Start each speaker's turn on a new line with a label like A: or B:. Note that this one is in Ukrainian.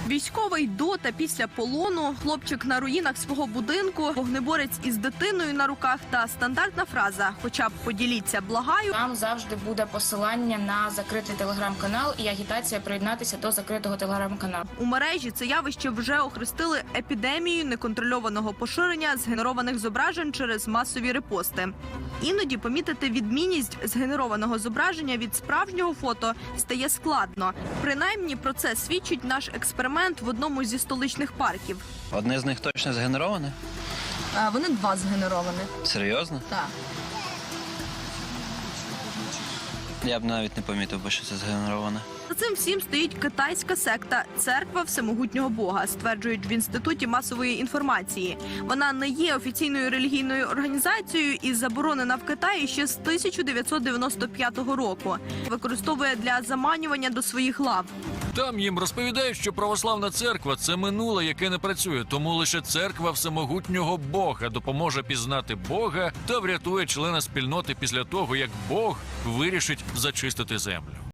A: Військовий до та після полону, хлопчик на руїнах свого будинку, вогнеборець із дитиною на руках та стандартна фраза «Хоча б поділіться, благаю».
B: Там завжди буде посилання на закритий телеграм-канал і агітація приєднатися до закритого телеграм-каналу.
A: У мережі це явище вже охрестили епідемією неконтрольованого поширення згенерованих зображень через масові репости. Іноді помітити відмінність згенерованого зображення від справжнього фото стає складно. Принаймні про це свідчить наш експеримент в одному зі столичних парків.
C: Одне з них точно згенероване?
A: Вони два згенеровані.
C: Серйозно?
A: Так.
C: Я б навіть не помітив, бо що це згенероване.
A: За цим всім стоїть китайська секта «Церква Всемогутнього Бога», стверджують в Інституті масової інформації. Вона не є офіційною релігійною організацією і заборонена в Китаї ще з 1995 року. Використовує для заманювання до своїх лав.
D: Там їм розповідають, що православна церква – це минуле, яке не працює, тому лише церква Всемогутнього Бога допоможе пізнати Бога та врятує члена спільноти після того, як Бог вирішить зачистити землю.